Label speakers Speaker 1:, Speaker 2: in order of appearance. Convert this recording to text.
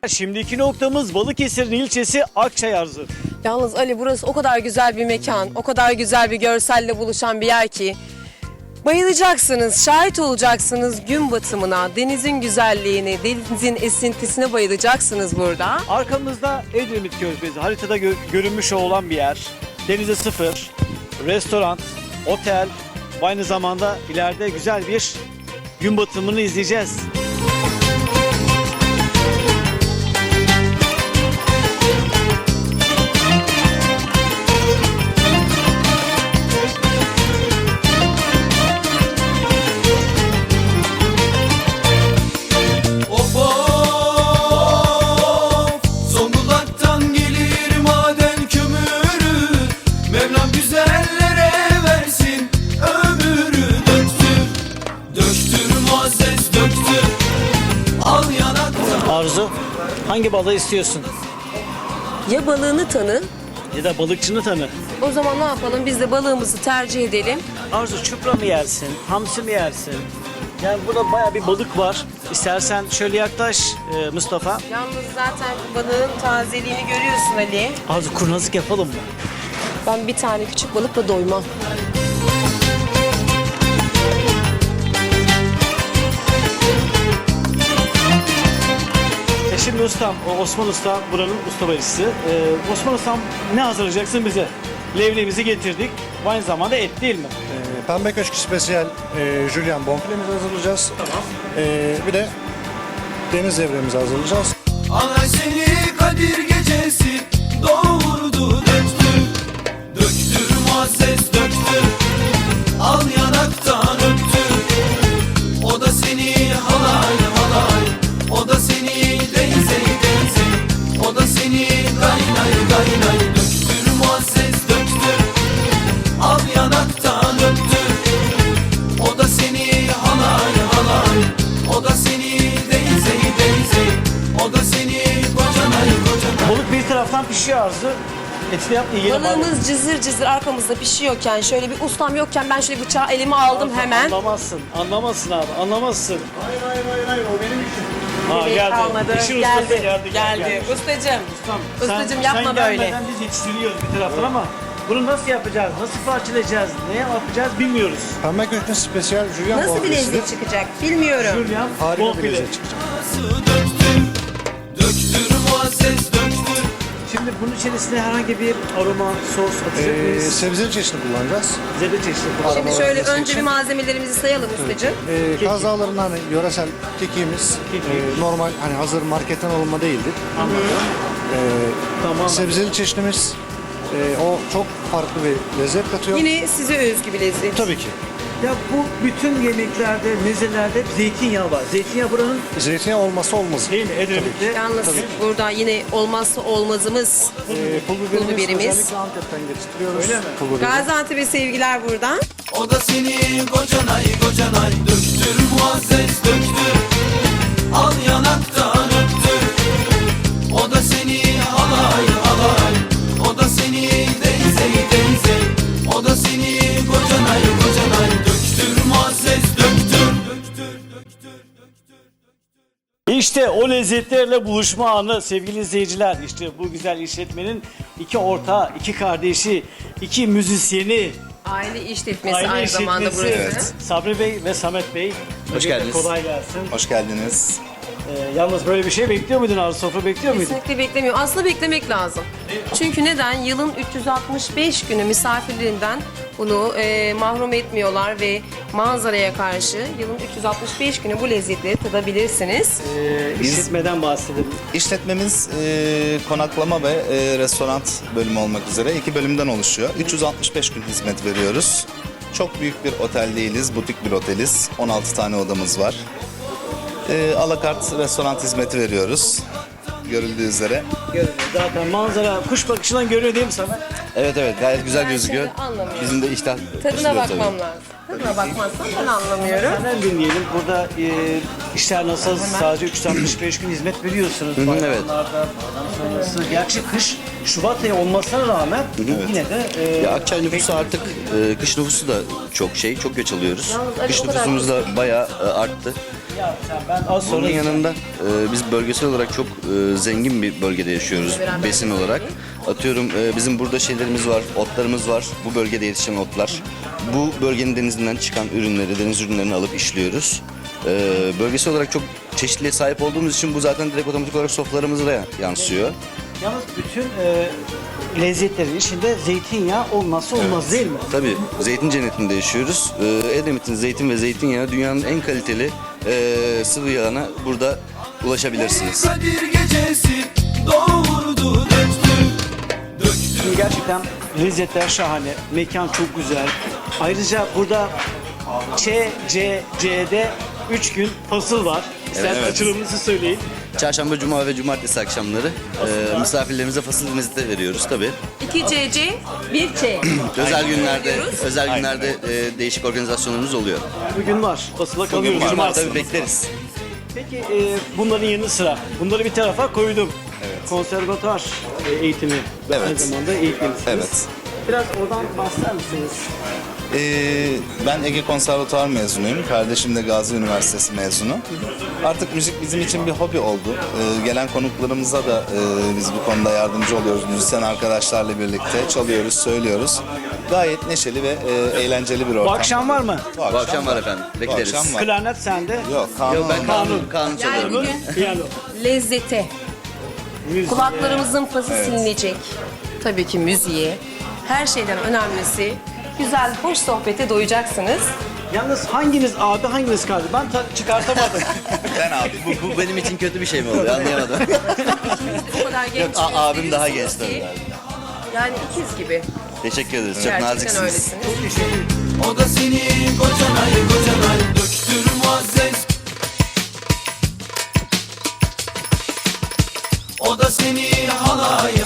Speaker 1: Şimdiki noktamız Balıkesir'in ilçesi Akçayarzu.
Speaker 2: Yalnız Ali, burası o kadar güzel bir mekan, o kadar güzel bir görselle buluşan bir yer ki bayılacaksınız, şahit olacaksınız gün batımına, denizin güzelliğine, denizin esintisine bayılacaksınız burada.
Speaker 1: Arkamızda Edremit Körfezi, haritada görünmüş olan bir yer. Denize sıfır, restoran, otel ve aynı zamanda ileride güzel bir gün batımını izleyeceğiz. Arzu, hangi balığı istiyorsun?
Speaker 2: Ya balığını tanı,
Speaker 1: Ya da balıkçını tanı.
Speaker 2: o zaman ne yapalım, biz de balığımızı tercih edelim.
Speaker 1: Arzu, çupra mı yersin, hamsi mi yersin? Yani burada bayağı bir balık var. İstersen şöyle yaklaş Mustafa.
Speaker 2: Yalnız zaten balığın tazeliğini görüyorsun Ali.
Speaker 1: Arzu, kurnazlık yapalım mı?
Speaker 2: Ben bir tane küçük balıkla doymam.
Speaker 1: Şimdi ustam, Osman Usta buranın usta barışçısı. Osman Ustam, ne hazırlayacaksın bize? Levremizi getirdik. Aynı zamanda et değil mi?
Speaker 3: Pembe Köşkü Spesiyel Julian bonfilemizi hazırlayacağız.
Speaker 1: Tamam.
Speaker 3: Bir de deniz levremizi hazırlayacağız.
Speaker 4: Alay seni Kadir gecesi doğurdu döktü. Döktür muazzez döktü. Al yanaktan öptü. O da seni halay halay. O da seni deyze deyze. O da seni gaynay gaynay. Döktür muazzez döktü. Al yanaktan öptü. O da seni halay halay. O da seni deyze deyze. O da seni kocanay kocanay.
Speaker 1: Balık bir taraftan pişiyor Arzu. Eti de yap, yiyelim.
Speaker 2: Balığımız cızır cızır arkamızda pişiyorken, şöyle bir ustam yokken ben şöyle bıçağı elime aldım hemen.
Speaker 1: Anlamazsın abi, anlamazsın.
Speaker 3: Hayır o benim işim.
Speaker 1: Ha, geldi.
Speaker 2: Kalmadı.
Speaker 1: İşin ustası
Speaker 2: Geldi.
Speaker 1: geldi.
Speaker 2: Ustacığım.
Speaker 1: Ustam,
Speaker 2: Ustacığım, yapma
Speaker 1: sen
Speaker 2: böyle.
Speaker 1: gelmeden biz yetiştiriyoruz bir taraftan ama bunu nasıl yapacağız, nasıl parçalayacağız, ne yapacağız bilmiyoruz.
Speaker 3: Pembe Köşkü Spesiyel Julian
Speaker 2: Nasıl bir
Speaker 3: bonfilesidir.
Speaker 2: lezzet çıkacak bilmiyorum.
Speaker 1: Julian,
Speaker 3: Harika bir
Speaker 1: bonfile.
Speaker 3: lezzet çıkacak.
Speaker 4: Döktür, döktür muazzez döktür.
Speaker 1: Şimdi bunun içerisine herhangi bir aroma, sos atacak mıyız?
Speaker 3: Sebzeli çeşitli kullanacağız.
Speaker 1: Zerre çeşitli.
Speaker 2: Şimdi şöyle önce bir malzemelerimizi sayalım ustacığım.
Speaker 3: Kaz Dağları'ndan hani yöresel kekiğimiz normal hani hazır marketten alınma değildir.
Speaker 1: Tamam.
Speaker 3: Sebzeli çeşnimiz o çok farklı bir lezzet katıyor.
Speaker 2: Yine size özgü bir lezzet.
Speaker 3: Tabii ki.
Speaker 1: Ya bu bütün yemeklerde, mezelerde hep zeytinyağı var. Zeytinyağı buranın
Speaker 3: Zeytinyağı olmazsa olmazı.
Speaker 1: değil mi? Edremit'te.
Speaker 2: Yalnız burada yine olmazsa olmazımız
Speaker 3: Pul
Speaker 2: biberimiz.
Speaker 3: özellikle Antep'ten getiriyoruz.
Speaker 1: Öyle mi?
Speaker 3: Pul biberi.
Speaker 2: Gaziantep'e sevgiler buradan.
Speaker 4: O da seni kocanay kocanay. Döktür muazzez döktür. Al yanaktan öptür. O da seni halay halay. O da seni deyze deyze. O da seni kocanay kocanay. Döktür muazzez döktür.
Speaker 1: İşte o lezzetlerle buluşma anı sevgili izleyiciler. İşte bu güzel işletmenin iki ortağı, iki kardeşi, iki müzisyeni,
Speaker 2: Aile işletmesi
Speaker 1: aile
Speaker 2: aynı zamanda
Speaker 1: işletmesi.
Speaker 2: burası.
Speaker 5: Evet.
Speaker 1: Sabri Bey ve Samet Bey.
Speaker 5: Hoş
Speaker 1: Öncelikle
Speaker 5: geldiniz.
Speaker 1: Kolay gelsin.
Speaker 5: Hoş geldiniz.
Speaker 1: Yalnız böyle bir şey bekliyor muydun Arzu? Sofra bekliyor muydun?
Speaker 2: Kesinlikle beklemiyorum. Aslında beklemek lazım. Çünkü neden? Yılın 365 günü misafirlerinden bunu mahrum etmiyorlar ve manzaraya karşı yılın 365 günü bu lezzetleri tadabilirsiniz.
Speaker 1: İşletmeden bahsedelim.
Speaker 5: İşletmemiz konaklama ve restoran bölümü olmak üzere iki bölümden oluşuyor. 365 gün hizmet veriyoruz. Çok büyük bir otel değiliz, butik bir oteliz. 16 tane odamız var. Alakart restoran hizmeti veriyoruz. Görüldüğü üzere.
Speaker 1: Görünüyor. Zaten manzara kuş bakışından görünüyor değil mi Samet?
Speaker 5: Evet gayet güzel
Speaker 2: Ben
Speaker 5: gözüküyor.
Speaker 2: şimdi anlamıyorum.
Speaker 5: Bizim de iştah
Speaker 2: Tadına
Speaker 5: açılıyor
Speaker 2: bakmam lazım. Tadına bakmazsam ben anlamıyorum.
Speaker 1: Senden dinleyelim. Burada işler nasıl? Sadece 365 gün hizmet veriyorsunuz.
Speaker 5: evet.
Speaker 1: Bayramlarda, bayram sonrası. Gerçi kış Şubat ayı olmasına rağmen yine de...
Speaker 5: Ya Akçay nüfusu artık
Speaker 6: Kış nüfusu da çok göç alıyoruz.
Speaker 2: Yalnız Ali
Speaker 6: Kış
Speaker 2: o kadar
Speaker 6: nüfusumuz da bayağı arttı.
Speaker 1: Ya ben az sonra
Speaker 6: Bunun yanında biz bölgesel olarak çok zengin bir bölgede yaşıyoruz besin olarak. Atıyorum bizim burada şeylerimiz var, otlarımız var. Bu bölgede yetişen otlar. Bu bölgenin denizinden çıkan ürünleri, deniz ürünlerini alıp işliyoruz. Bölgesel olarak çok çeşitliliğe sahip olduğumuz için bu zaten direkt otomatik olarak sofralarımıza da yansıyor.
Speaker 1: yalnız bütün lezzetlerin içinde zeytinyağı olmazsa olmaz değil mi?
Speaker 6: Tabii zeytin cennetinde yaşıyoruz. Edremit'in zeytin ve zeytinyağı dünyanın en kaliteli sıvı yağına burada ulaşabilirsiniz.
Speaker 4: Kadir gecesi doğurdu döktü.
Speaker 1: Şimdi gerçekten lezzetler şahane, mekan çok güzel. Ayrıca burada CCC'de 3 gün fasıl var. İsterseniz
Speaker 6: evet.
Speaker 1: açılımınızı söyleyin.
Speaker 6: Çarşamba, cuma ve cumartesi akşamları misafirlerimize fasıl hizmeti veriyoruz tabii.
Speaker 2: 2 CC, 1 Ç.
Speaker 6: Özel günlerde değişik organizasyonlarımız oluyor.
Speaker 1: Bugün var, fasıla kalıyoruz.
Speaker 6: Var,
Speaker 1: Cumartesi.
Speaker 6: tabii bekleriz.
Speaker 1: Peki bunların yanı sıra, bunları bir tarafa koydum. Konservatuar eğitimi ve
Speaker 5: Evet.
Speaker 1: aynı zamanda eğitmenisiniz.
Speaker 5: Evet.
Speaker 1: Biraz oradan bahseder misiniz?
Speaker 5: Ben Ege Konservatuar mezunuyum. Kardeşim de Gazi Üniversitesi mezunu. Artık müzik bizim için bir hobi oldu. Gelen konuklarımıza da biz bu konuda yardımcı oluyoruz. Müzisyen arkadaşlarla birlikte çalıyoruz, söylüyoruz. Gayet neşeli ve eğlenceli bir ortam.
Speaker 1: Bu akşam var mı?
Speaker 6: Bu akşam var efendim. Bekleriz.
Speaker 5: akşam var.
Speaker 1: Klarnet sende.
Speaker 5: Yok, kanun.
Speaker 6: Yok ben kanun
Speaker 2: Yani
Speaker 6: çalıyorum.
Speaker 2: bugün
Speaker 1: Piyano.
Speaker 2: lezzete,
Speaker 1: Müzik.
Speaker 2: kulaklarımızın pası silinecek. Tabii ki müziğe. Her şeyden önemlisi güzel, hoş sohbete doyacaksınız.
Speaker 1: Yalnız hanginiz abi, hanginiz kardeş? Ben çıkartamadım.
Speaker 5: Ben abi.
Speaker 6: Bu benim için kötü bir şey mi oluyor anlayamadım.
Speaker 2: O kadar genç
Speaker 6: abim daha genç
Speaker 2: gösteriyorsunuz
Speaker 6: tabii.
Speaker 2: ki, yani ikiz gibi.
Speaker 6: Teşekkür ederiz. Çok
Speaker 2: Gerçekten
Speaker 6: naziksiniz.
Speaker 2: öylesiniz.
Speaker 4: O da seni kocanay döktür muazzez. O da seni halay